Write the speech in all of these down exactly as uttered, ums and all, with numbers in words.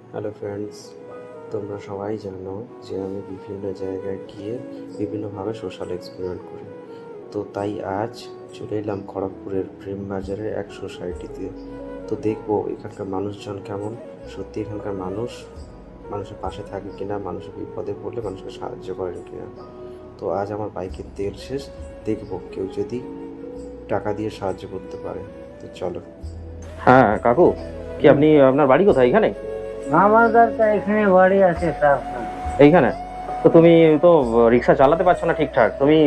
Hello friends, তোমরা সবাই জানো যে আমি বিভিন্ন জায়গায় গিয়ে বিভিন্নভাবে সোশ্যাল এক্সপেরিমেন্ট করি। তো তাই আজ চলে এলাম খড়গপুরের প্রেম বাজারের এক সোসাইটিতে। তো দেখবো এখানকার মানুষজন কেমন, সত্যি এখানকার মানুষ মানুষের পাশে থাকে কিনা, মানুষের বিপদে পড়লে মানুষকে সাহায্য করেন কিনা। তো আজ আমার বাইকের তেল শেষ, দেখবো কেউ যদি টাকা দিয়ে সাহায্য করতে পারে। তো চলো। হ্যাঁ কাকু, কি আপনি আপনার বাড়ি কোথায়? এখানে? আমাদের তো এখানে বাড়ি আছে স্যার। এইখানে? তো তুমি তো রিক্সা চালাতে পারছো না ঠিকঠাক, তুমি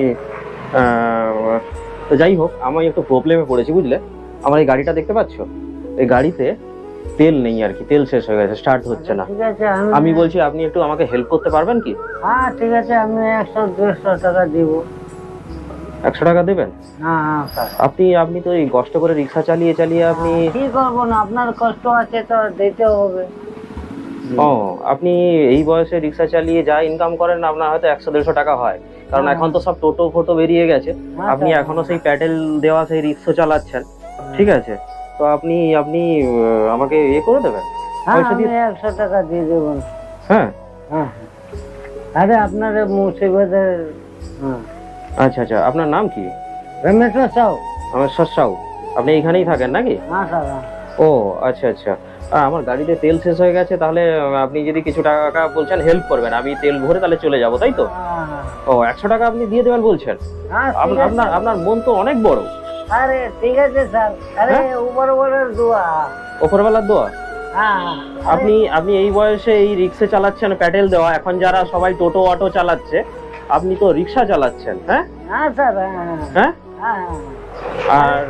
আহ, তো যাই হোক, আমি একটু প্রবলেমে পড়েছি বুঝলে। আমার এই গাড়িটা দেখতে পাচ্ছো, এই গাড়িতে তেল নেই আর কি, তেল শেষ হয়ে গেছে, স্টার্ট হচ্ছে না। ঠিক আছে, আমি বলছি আপনি একটু আমাকে হেল্প করতে পারবেন কি? হ্যাঁ ঠিক আছে, আমি একশো দেড়শো টাকা দিব। একশো টাকা দেবেন? হ্যাঁ হ্যাঁ স্যার। আপনি আপনি তো এই কষ্ট করে রিক্সা চালিয়ে চালিয়ে আপনি কি করবো না, আপনার কষ্ট আছে তো দিতে হবে। ও, আপনি এই বয়সে রিক্সা চালিয়ে যা ইনকাম করেন আপনার হয়তো একশো দেড়শো টাকা হয়, কারণ এখন তো সব টোটো ফোটো বেরিয়ে গেছে। আপনি এখনো সেই প্যাডেল দেওয়া সেই রিক্সা চালাচ্ছেন, ঠিক আছে? তো আপনি আপনি আহ, আমাকে ইয়ে করে দেবেন, হ্যাঁ পয়সা আমি দিয়ে। একশো টাকা দিয়ে দেবো। হ্যাঁ হ্যাঁ আরে আপনার মুর্শিদাবাদের। হ্যাঁ আচ্ছা আচ্ছা, আপনার নাম কি? রমেশ্বর সাউ। আমার সাউ। আপনি এইখানেই থাকেন নাকি? হ্যাঁ স্যার। ও আচ্ছা আচ্ছা, আহ, আমার গাড়িতে তেল শেষ হয়ে গেছে, তাহলে আহ, আপনি যদি কিছু টাকা বলছেন হেল্প করবেন, আমি তেল ভরে তাহলে চলে যাব, তাই তো? ও, একশো টাকা আপনি দিয়ে দেবেন বলছেন? হ্যাঁ আপ- আপনার আপনার মন তো অনেক বড়। আরে ঠিক আছে স্যার, আরে উপর উপরের দোয়া। ওপরওয়ালার দোয়া। হ্যাঁ আপনি আপনি এই বয়সে এই রিক্সা চালাচ্ছেন প্যাডেল দেওয়া, এখন যারা সবাই টোটো অটো চালাচ্ছে, আপনি তো রিক্সা চালাচ্ছেন। হ্যাঁ হ্যাঁ স্যার। হ্যাঁ হ্যাঁ। হ্যাঁ আর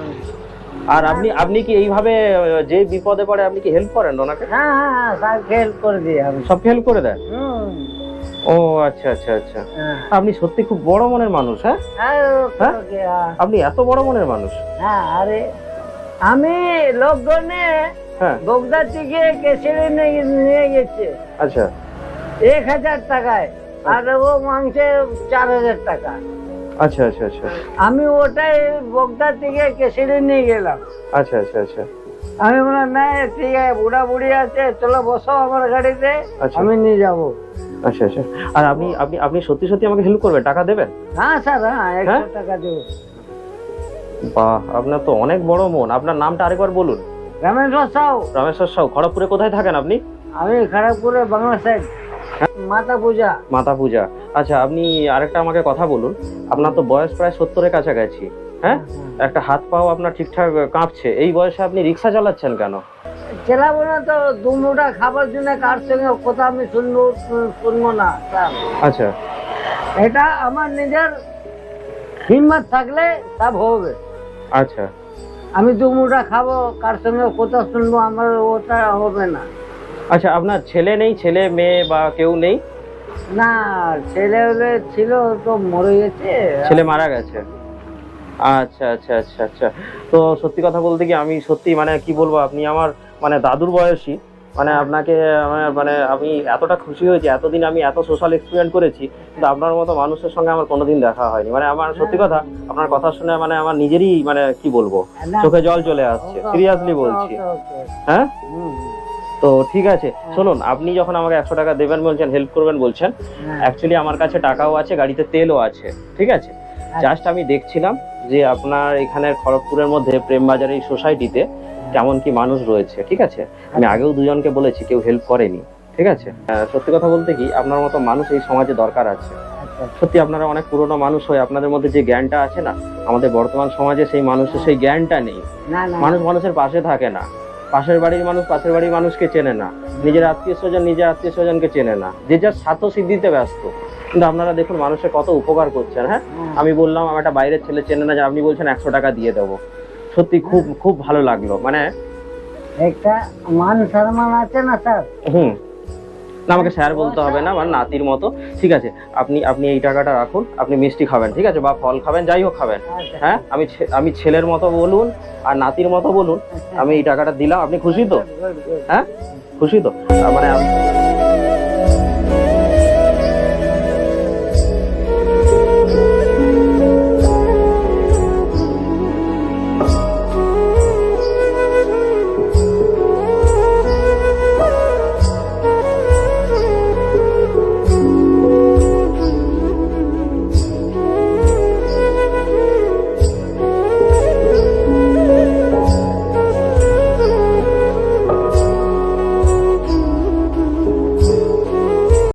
আর আপনি আপনি কি এইভাবে আহ, যে বিপদে পড়ে আপনি কি হেল্প করেন ওনাকে? হ্যাঁ হ্যাঁ স্যার, হেল্প করে দিই আমি। সব হেল্প করে দেন? হুম। ও আচ্ছা আচ্ছা আচ্ছা, হ্যাঁ। আপনি সত্যি খুব বড় মনের মানুষ। হ্যাঁ হ্যাঁ, হ্যাঁ? ওকে, হ্যাঁ। আপনি এত বড় মনের মানুষ। হ্যাঁ আরে আমি লোকজনে হ্যাঁ বগদা থেকে কেশরি নিয়ে নিয়ে গেছে আচ্ছা এক হাজার টাকায়, আর ও মাংসে চার হাজার টাকা। আচ্ছা আচ্ছা আচ্ছা আমি ওটাই বগদা থেকে কেশরি নিয়ে গেলাম। আচ্ছা আচ্ছা আচ্ছা আমি বললাম না ঠিক আছে, বুড়া বুড়ি আছে, চলো বসো আমার গাড়িতে, আচ্ছা। আমি নিয়ে যাবো। আচ্ছা আচ্ছা, আর আপনি আপনি আপনি সত্যি সত্যি আমাকে হেল্প করবেন, টাকা দেবেন? হ্যাঁ স্যার, হ্যাঁ একশো টাকা দেবো। বাহ, আপনার তো অনেক বড় মন। আপনার নামটা আরেকবার বলুন। রামেশ্বর সাউ। রামেশ্বর সাউ। খড়গপুরে কোথায় থাকেন আপনি? আমি খড়গপুরে বাংলা সাইড, মাতা পূজা। মাতা পূজা। আচ্ছা, আপনি আরেকটা আমাকে কথা বলুন, আপনার তো বয়স প্রায় সত্তরের কাছাকাছি, হ্যাঁ? একটা হাত পাও আপনার ঠিকঠাক কাঁপছে, এই বয়সে আপনি রিক্সা চালাচ্ছেন কেন? চালাবো না তো, দু মুঠা খাবার জন্য কার সঙ্গে কথা আমি শুনবো শুনবো না স্যার। আচ্ছা এটা আমার নিজের হিম্মত থাকলে সব হবে। আচ্ছা আমি দু মুঠা খাবো, কার সঙ্গে কথা শুনবো, আমার ওটা হবে না। আচ্ছা, আপনার ছেলে নেই, ছেলে মেয়ে বা কেউ নেই? না, ছেলে হলে ছিল তো মরে গেছে। ছেলে মারা গেছে। আচ্ছা আচ্ছা আচ্ছা আচ্ছা, তো সত্যি কথা বলতে কি, আমি সত্যি মানে কি বলবো, আপনি আমার মানে দাদুর বয়সী, মানে আপনাকে আমার মানে আমি এতটা খুশি হয়েছি। এতদিন আমি এত সোশ্যাল এক্সপেরিমেন্ট করেছি, কিন্তু আপনার মতো মানুষের সঙ্গে আমার কোনোদিন দেখা হয়নি। মানে আমার সত্যি কথা, আপনার কথা শুনে মানে আমার নিজেরই মানে কি বলবো, চোখে জল চলে আসছে, সিরিয়াসলি বলছি। হ্যাঁ, তো ঠিক আছে, শুনুন, আপনি যখন আমাকে একশো টাকা দেবেন বলছেন, হেল্প করবেন বলছেন, অ্যাকচুয়ালি আমার কাছে টাকাও আছে, গাড়িতে তেলও আছে, ঠিক আছে? জাস্ট আমি দেখছিলাম যে আপনার এখানের খড়গপুরের মধ্যে প্রেমবাজার এই সোসাইটিতে কেমন কি মানুষ রয়েছে, ঠিক আছে? আমি আগেও দুজনকে বলেছি, কেউ হেল্প করেনি, ঠিক আছে? আহ, সত্যি কথা বলতে কি, আপনার মতো মানুষ এই সমাজে দরকার আছে। সত্যি আপনারা অনেক পুরনো মানুষ হয়ে আপনাদের মধ্যে যে জ্ঞানটা আছে না, আমাদের বর্তমান সমাজে সেই মানুষের সেই জ্ঞানটা নেই। মানুষ মানুষের পাশে থাকে না, পাশের বাড়ির মানুষ পাশের বাড়ির মানুষকে চেনে না, নিজের আত্মীয় স্বজন নিজের আত্মীয় স্বজনকে চেনে না, যে যার স্বার্থ সিদ্ধিতে ব্যস্ত। কিন্তু আপনারা দেখুন মানুষের কত উপকার করছেন। হ্যাঁ, আমি বললাম আমার একটা বাইরের ছেলে চেনে না, যে আপনি বলছেন একশো টাকা দিয়ে দেবো, সত্যি খুব খুব ভালো লাগলো। মানে একটা মান সম্মান আছে না স্যার। হুম, না আমাকে স্যার বলতে হবে না, মানে নাতির মতো, ঠিক আছে? আপনি আপনি এই টাকাটা রাখুন, আপনি মিষ্টি খাবেন, ঠিক আছে, বা ফল খাবেন, যাই হোক খাবেন। হ্যাঁ, আমি আমি ছেলের মতো বলুন আর নাতির মতো বলুন, আমি এই টাকাটা দিলাম। আপনি খুশি তো? হ্যাঁ, খুশি তো? মানে